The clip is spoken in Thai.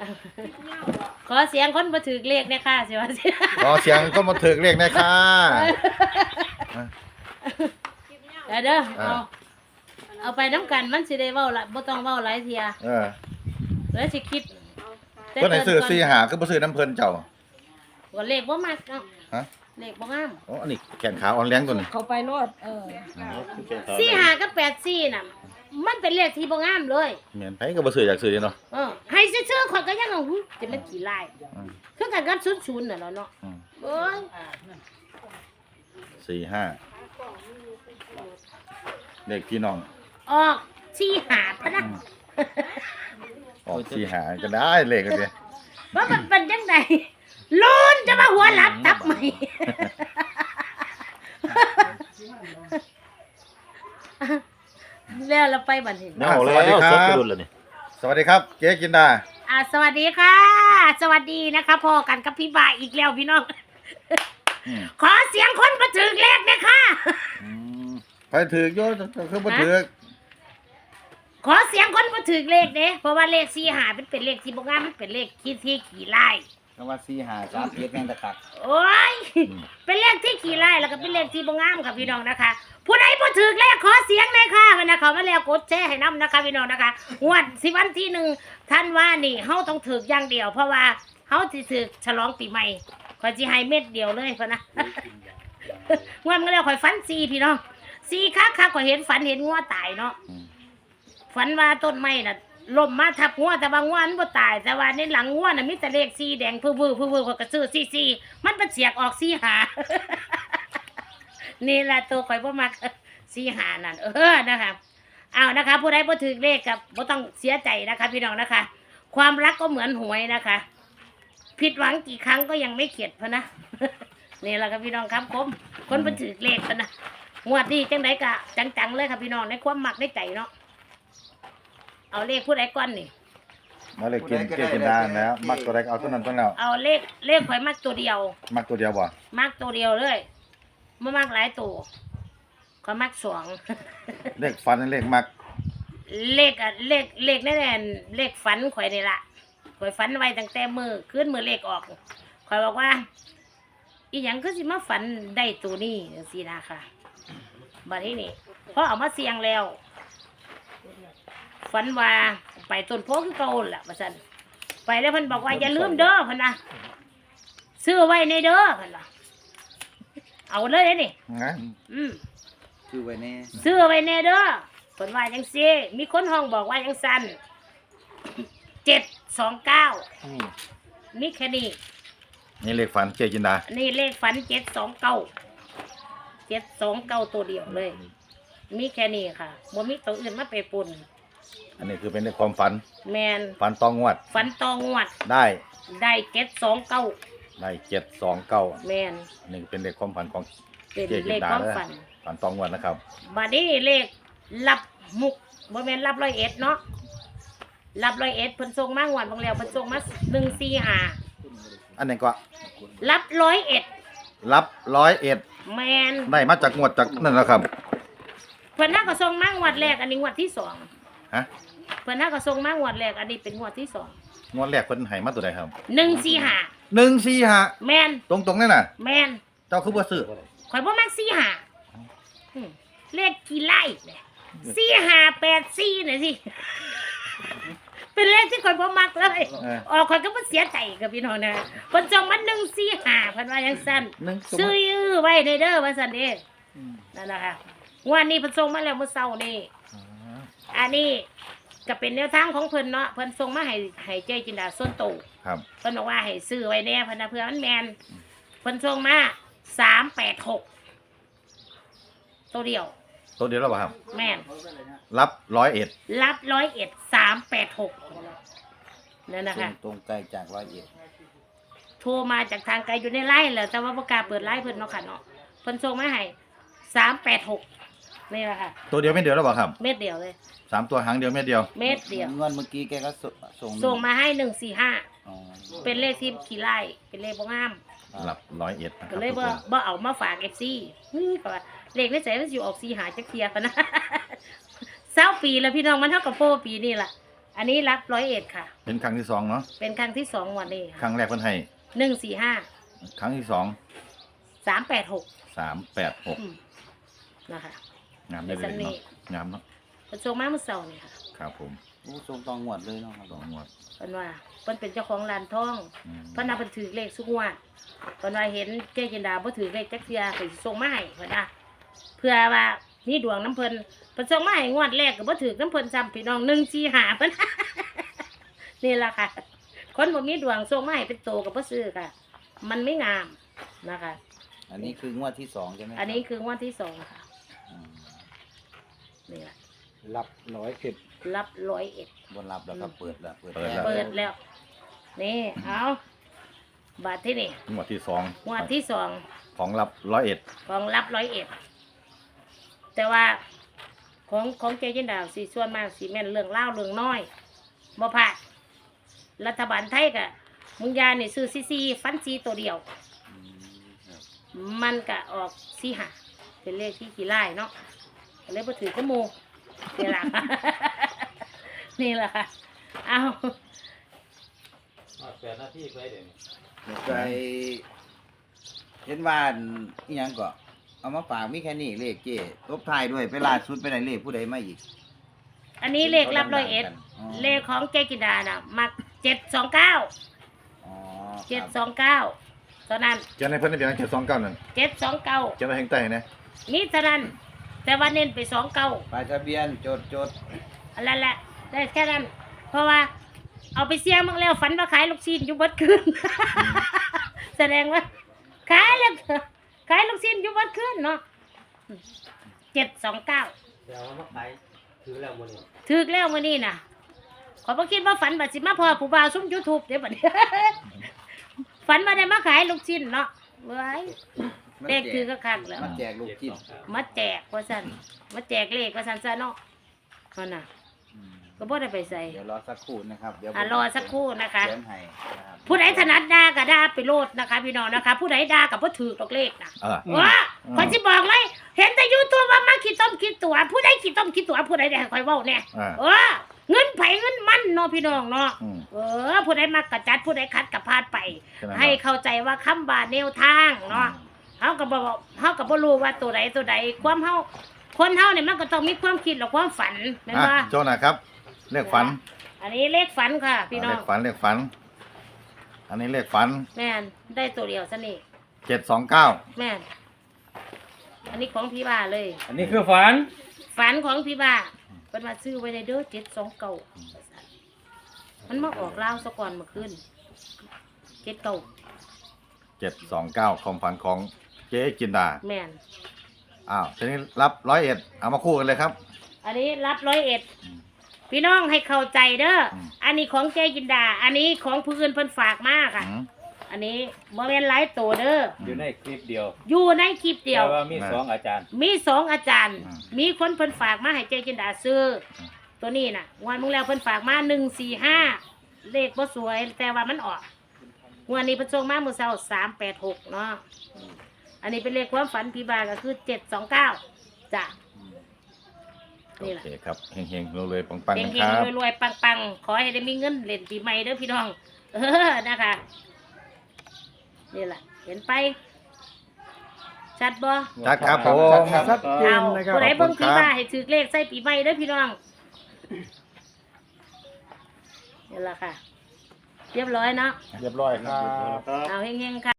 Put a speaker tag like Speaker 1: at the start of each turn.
Speaker 1: ขอเสียงคนมาถือเลขเนี่ยค่ะสิว่าสิ
Speaker 2: ขอเสียงก็มาถึกเลขหนะค่ะ
Speaker 1: เด้อเอาไปน้ำกันมันสิได้เว้าละบ่ต้องเว้าหลายเทียแล้วสิคิด
Speaker 2: เพิ่นให้ซื้อ4หาคือบ่ซื้อน้ำเพิ่นเจ้า
Speaker 1: ว่าเลขบ่มักเนาะ
Speaker 2: ฮะ
Speaker 1: เลขบ่งาม
Speaker 2: อ๋ออันนี้แขนขาอ่อนแรงตัวนี้
Speaker 3: เขาไปโลด
Speaker 1: 45กับ84น่ะมันเป็นเลขที่บ่งามเลย
Speaker 2: แม่นไผก็บ่ซื้ออยากซื้อเนาะ
Speaker 1: ให้ซื่อๆข่อยก็ยังเอาจะมันกี่ลาย คือกันกับ00น่ะเนาะเอ้ย
Speaker 2: 45เลขพี่น้อง
Speaker 1: ออก45พะนะ
Speaker 2: ออก4หาก็ได้เลขกันสิ
Speaker 1: ว่ามันเป็นจังไดลุ้นจะมาหัวหลับทับไหม แล้วเราไปบัดนี้
Speaker 4: เอาแล้วซดกระดุนแล้วนี่
Speaker 2: สวัสดีครับเจ๊จินดา
Speaker 1: สวัสดีค่ะ สวัสดีนะคะพ่อกันกับพี่บ่ายอีกแล้วพี่น้อง ขอเสียงคนมาถึงเลขนะคะ
Speaker 2: ไปถือกโยคือบ่ถือก
Speaker 1: ขอเสียงคนมาถึงเลขเด้เพราะว่าเลข45เป็นเลขที่บ่งามมันเป็นเลขที่ขี่ไล่
Speaker 5: คำว่า4 5 3 7แม่งตะคัก
Speaker 1: โอ้ยเป็นเลขที่ขี่ไล่แล้วก็เป็นเลขที่บ่งามค่ะพี่น้องนะคะ ผู้ใดบ่ถึงเลขขอเสียงหน่อยค่ะวันนะเขามาแล้วกดแชร์ให้นำนะคะพี่น้องนะคะงวดวันที่1ท่านว่านี่เฮาต้องถึกอย่างเดียวเพราะว่าเฮาสิถึกฉลองปีใหม่ขอยสิให้เม็ดเดียวเลยพุ่นนะ งวดมาแล้วข่อยฝัน4พี่น้อง4คักข่อยเห็นฝันเห็นงัวตายเนาะฝันว่าต้นไม้น่ะล่มมาทับงัวแต่ว่างัวมันบ่ตายแต่ว่าในหลังงัวน่ะมีแต่เลข4แดงพื้อๆพื้อๆข่อยก็ซื้อ44มันเป็นเสียกออก4หา นี่แหละตัวข่อยบ่มัก45นั่นนะคะเอานะคะผู้ใดบ่ถึกเลขกับบ่ต้องเสียใจนะคะพี่น้องนะคะ ความรักก็เหมือนหวยนะคะ ผิดหวังกี่ครั้งก็ยังไม่เข็ดพะนะ นี่แหละครับพี่น้องครับผมคนบ่ถึกเลขพะนะงวดนี้จังได๋ก็จังๆเลยครับพี่น้องในความมักในใจเนาะเอาเลขผู้ใดก่อนนี่
Speaker 2: มาเลยกินเจ๊จินดาแล้วมักตัวใดก็เอาตัวนั้นตัวแล้ว
Speaker 1: เอาเลขข่อยมักตัวเดียว
Speaker 2: มักตัวเดียวบ่
Speaker 1: มักตัวเดียวเลยบ่มักหลายตัวข่อยมัก2
Speaker 2: เลขฟันเลขมัก
Speaker 1: เลขแน่ๆเลขฝันข่อยนี่ล่ะข่อยฝันไว้ตั้งแต่คืนมื้อเลขออกข่อยบอกว่าอีหยังคือสิมาฝันได้ตัวนี้จังซี่นะค่ะบัดนี้นี่พอเอามาเสี่ยงแล้วฝันว่าไปต้นโพคือเก่าล่ะว่าซั่นไปแล้วเพิ่นบอกว่าอย่าลืมเด้อเพิ่นน่ะซื้อไว้ในเด้อเพิ่นว่าเอาเลยเด้นี่
Speaker 2: นะ
Speaker 5: คือไว้แน่
Speaker 1: ซื้อไว้แน่เด้อเพิ่นว่าจังซี่มีคนห้องบอกว่าจังซั่น729มีแค่นี้
Speaker 2: นี่เลขฟันเจ๊จินดา
Speaker 1: นี่เลขฝัน729ตัวเดียวเลย มีแค่นี้ค่ะบ่มีตัวอื่นมาไปปน
Speaker 2: อันนี้คือเป็นเลขความฝัน
Speaker 1: แมน
Speaker 2: ฝันตองงวด
Speaker 1: ฝันตองวด
Speaker 2: ได้
Speaker 1: ได้729
Speaker 2: ได้729
Speaker 1: แมน
Speaker 2: นี่เป็นเลขความฝันของ
Speaker 1: เป็น
Speaker 2: เจ๊จิ
Speaker 1: เล
Speaker 2: น
Speaker 1: ข
Speaker 2: ดา
Speaker 1: ความ
Speaker 2: เด้อ
Speaker 1: ฝัน
Speaker 2: ฝันตองงวดนะครับ
Speaker 1: บัดนี้เลขรับมุกบ่แม่นรับ101เนาะรับ101เพิ่นส่งมางวดบางแล้วเพิ่นส่งมา145
Speaker 2: อันนี้ก็
Speaker 1: รับ101
Speaker 2: รับ101
Speaker 1: แมน
Speaker 2: ได้มาจากงวดจากนั่นแหละครับ
Speaker 1: เพิ่นน่าก็ส่งมางวดแรกอันนี้งวดที่2
Speaker 2: ฮะ
Speaker 1: เพิ่นน่าก็ส่งมางวดแรกอันนี้เป็นงวดที่2
Speaker 2: งวดแรกเพิ่นให้มาตัวใดครับ
Speaker 1: 145
Speaker 2: 145
Speaker 1: แมน
Speaker 2: ตรงๆนั่นน่ะ
Speaker 1: แมน
Speaker 2: เจ้าคือบ่ซื้อ
Speaker 1: ข่อยบ่มัก45เลขกี่ไล่เนี่ย4584น่ะสิ เป็นเลขที่ข่อยบ่มักเลย ออกข่อยก็บ่เสียใจกับพี่น้องนะเพิ่นส่งมา145เพิ่นว่าจังซั่น ซื้อไว้เด้อว่าซั่นเด้นั่นล่ะค่ะงวดนี้เพิ่นส่งมาแล้วเมื่อเช้านี้อันนี้ก็เป็นแนวทางของเพิ่นเนาะเพิ่นส่งมาให้เจ๊จินดาส่วนตัว
Speaker 2: ครับ
Speaker 1: เพิ่นบอกว่าให้ซื้อไว้แน่เพิ่นน่ะเพื่อมันแม่นเพิ่นส่งมา386ตัวเดียว
Speaker 2: ตัวเดียวแล้วบ่ครับ
Speaker 1: แม่น
Speaker 2: รับ101
Speaker 1: รับ101 386นั่นนะคะ
Speaker 5: ตรงไกลจาก
Speaker 1: โทรมาจากทางไกลอยู่ในไลน์แหละแต่ว่าบ่กล้าเปิดไลน์เพิ่นเนาะค่ะเนาะเพิ่นส่งมาให้386นี่แหละค่ะ
Speaker 2: ตัวเดียวไม่เดียวแล้วบ่ครับ
Speaker 1: เม็ดเดียวเลย
Speaker 2: 3ตัวหางเดียวเม็ดเดียว
Speaker 1: เม็ดเดียว
Speaker 5: เงินเมื่อกี้แกก็
Speaker 1: ส่งมาให้145
Speaker 5: อ๋อ
Speaker 1: เป็นเลขที่ขี้ไล่เป็นเลขบ่งาม
Speaker 2: รับ101นะค
Speaker 1: ก็
Speaker 2: รับ
Speaker 1: เลย
Speaker 2: ทุกคน
Speaker 1: บ่เอามาฝาก FC ก็ว่าเลขในใจมันสิออก4หาจักเที่ยกันนะ 20ปีแล้วพี่น้องมันเท่ากับโปปีนี่ล่ะอันนี้รับ101ค่ะ
Speaker 2: เป็นครั้งที่สองเนาะ
Speaker 1: เป็นครั้งที่2วันนี้
Speaker 2: ครั้งแรกเพิ่นให้
Speaker 1: 145
Speaker 2: ครั้งที่สอง
Speaker 1: 386
Speaker 2: 386
Speaker 1: นะคะ
Speaker 2: งามได้เลยเนาะงามเนาะ
Speaker 1: เพิ่นส่งมาเมื่อเช้านี่ค่ะ
Speaker 2: ครับผม
Speaker 5: โอ้ทรงตองหวดเลยเนาะครับ
Speaker 2: สองงวด
Speaker 1: เพิ่นว่าเพิ่นเป็นเจ้าของร้านทอง
Speaker 2: อืม
Speaker 1: เพิ่นน่ะเพิ่นถือเลขทุกงวดเพิ่นว่าเห็นเจ๊จินดาบ่ถือเลขจักเทื่อก็สิส่งมาให้เพิ่นน่ะเพื่อว่ามีดวงน้ำเพิ่นเพิ่นส่งมาให้งวดแรกก็บ่ถือน้ำเพิ่นซ้ำพี่น้อง145เพิ่น นี่ล่ะค่ะ คนบ่มีดวงส่งมาให้เป็นโตก็บ่ซื้อค่ะ มันไม่งามนะคะ
Speaker 5: อันนี้คืองวดที่สองใช่ไหม
Speaker 1: อันนี้คืองวดที่2ค่ะ
Speaker 5: อืม
Speaker 1: นี่ล่ะ
Speaker 3: รับ110
Speaker 1: รับ101
Speaker 5: บนรับแล้วก็เปิดแล้ว
Speaker 1: เปิดแล้ว นี่เอาบาทที่นี่
Speaker 2: งวดที่สอง
Speaker 1: งวดที่สอง
Speaker 2: ของรับ101
Speaker 1: ของรับ101แต่ว่าของเจจินดาวสีส่วนมากสีแม่นเรื่องเล่าวเรื่องน้อยบ่พลาดรัฐบาลไทยกะมึงยานี่ซื้อซีฟันซีตัวเดียว
Speaker 5: อืมครับ
Speaker 1: มันกะออกซีหาเป็นเลขที่ขี้ไล่เนาะก็เลยบ่ถือกระโมนี่ล่ะ นี่แหละค่ะเอา
Speaker 3: 8 นาทีไปเดี๋ยวนี้
Speaker 5: เดี๋ยวไปเห็นว่าอีหยังก็เอามาฝากมีแค่นี้เลขเจ้ตบท้ายด้วยไปล่าสุดไปไหนเลขผู้ใดมาอีก
Speaker 1: อันนี้เลขรับ101เลขของเจจินดาน่ะมัก729
Speaker 5: อ๋อ
Speaker 1: 729เท่านั้น
Speaker 2: เจ้าในเพิ่นได้เพียง729นั่น
Speaker 1: 729
Speaker 2: เจ้าในแห่งใต้นะ
Speaker 1: นี่เท่านั้น แต่ว่าเน้นไป29
Speaker 5: ป้ายทะเบียนจด
Speaker 1: อันนั้นแหละได้แค่นั้น เพราะว่าเอาไปเสี่ยงบ้างแล้วฝันว่าขายลูกชิ้นอยู่เบัดคืน แสดงว่าขายแล้วขายลูกชิ้นอยู่เบัดคืนเนาะ729
Speaker 3: เดี๋ยวมาขายถือแล้วมื้อนี้
Speaker 1: ถึกแล้วมื้อนี้น่ะขอยบ่คิดว่าฝันบัดสิมาพอผู้บ่าวซุ่ม YouTube เด้บัดนี้ ฝันว่าได้มาขายลูกชิ้นเนาะเว้ย
Speaker 5: ๆ
Speaker 1: เลขคือก็คักแล้ว
Speaker 5: มาแจกลูกกิน
Speaker 1: มาแจกว่าซั่นมาแจกเลขว่าซั่นซะเนาะนั่นน่ะ
Speaker 5: อืม
Speaker 1: ก็บ่ได้ไปใส่
Speaker 5: เดี๋ยวรอสักครู่นะครับเดี๋ยวผม
Speaker 1: รอสักครู่นะคะ
Speaker 5: เขียนให้นะครับ
Speaker 1: ผู้ใดถนัดด่าก็ด่าไปโลดนะคะ พี่น้องนะคะ ผู้ใดด่ากับบ่ถือดอกเลขนะ ว่าขอยสิบอกเลย เห็นแต่ YouTube ว่ามาขี้ต้มขี้ตัวผู้ใดขี้ต้มขี้ตัวผู้ใดได้คอยเว้าแน่
Speaker 2: อ่า
Speaker 1: เงินไผเงินมันเนาะพี่น้องเนาะ
Speaker 2: อืม
Speaker 1: ผู้ใดมักกระจัดผู้ใดคัดกระพาดไป
Speaker 2: ใช่ไหม
Speaker 1: ให้เข้าใจว่าคำบาแนวทางเนาะเฮาก็บ่รู้ว่าตัวใดความเฮาคนเฮาเนี่ยมันก็ต้องมีความคิดและความฝันแม่นบ่
Speaker 2: โจ้นะครับเลขฝัน
Speaker 1: อันนี้เลขฝันค่ะ พี่น้อง
Speaker 2: เลขฝัน อันนี้เลขฝัน
Speaker 1: แม่นได้ตัวเดียวซะนี่
Speaker 2: 729
Speaker 1: แม่นอันนี้ของพี่บ้าเลย
Speaker 3: อันนี้คือฝัน
Speaker 1: ฝันของพี่บ้าเป็นมาซื้อไว้ในเด้อ729มันมาออกลาวซะก่อนเมื่อคืน79
Speaker 2: 729ความฝันของเจ๊จินดา
Speaker 1: แม่น
Speaker 2: อ้าวทีนี้รับ101เอามาคู่กันเลยครับ
Speaker 1: อันนี้รับ101พี่น้องให้เข้าใจเด้ออ
Speaker 2: ม
Speaker 1: อันนี้ของเจจินดา อันนี้ของผู้อื่นเพิ่นฝากมาค่ะ
Speaker 2: อืม
Speaker 1: อันนี้บ่แม่นหลายตัวเด้อ
Speaker 3: อยู่ในคลิปเดียว
Speaker 1: อยู่ในคลิปเดียว
Speaker 3: แต่ว่ามี2อาจารย์
Speaker 1: มี2อาจารย์ มีคนเพิ่นฝากมาให้เจจินดาซื้ออ
Speaker 2: ม
Speaker 1: ตัวนี้น่ะวันมึงแล้วเพิ่นฝากมา145เลขบ่สวยแต่ว่ามันออกงวันนี้เพิ่นส่งมามื้อเช้า386เนาะอันนี้เป็นเลขความฝันพี่บาก็คือ729จ้ะ นี่
Speaker 2: โอ
Speaker 1: แหละ
Speaker 2: เคครับเฮงๆรวยๆปังๆ
Speaker 1: เฮ
Speaker 2: นะ
Speaker 1: ง
Speaker 2: ครับ
Speaker 1: ๆรวยๆปังๆขอให้ได้มีเงินเล่นปีใหม่เด้อพี่น้อง นะคะ นี่แหละเห็นไป ชัดบ่
Speaker 2: ชัดครับผม
Speaker 3: ชัดเจ
Speaker 1: เอา
Speaker 3: นนะครับ
Speaker 1: ผู้ใดเบิ่ง
Speaker 2: ขอบคุณ
Speaker 1: พี่
Speaker 2: ครับ
Speaker 1: บ้าให้ถือเลขใส่ปีใหม่เด้อพี่น้องนี่แหละค่ะ เรียบร้อยเนาะ
Speaker 2: เรียบร้อยครับ
Speaker 1: เอาเฮงๆค่ะ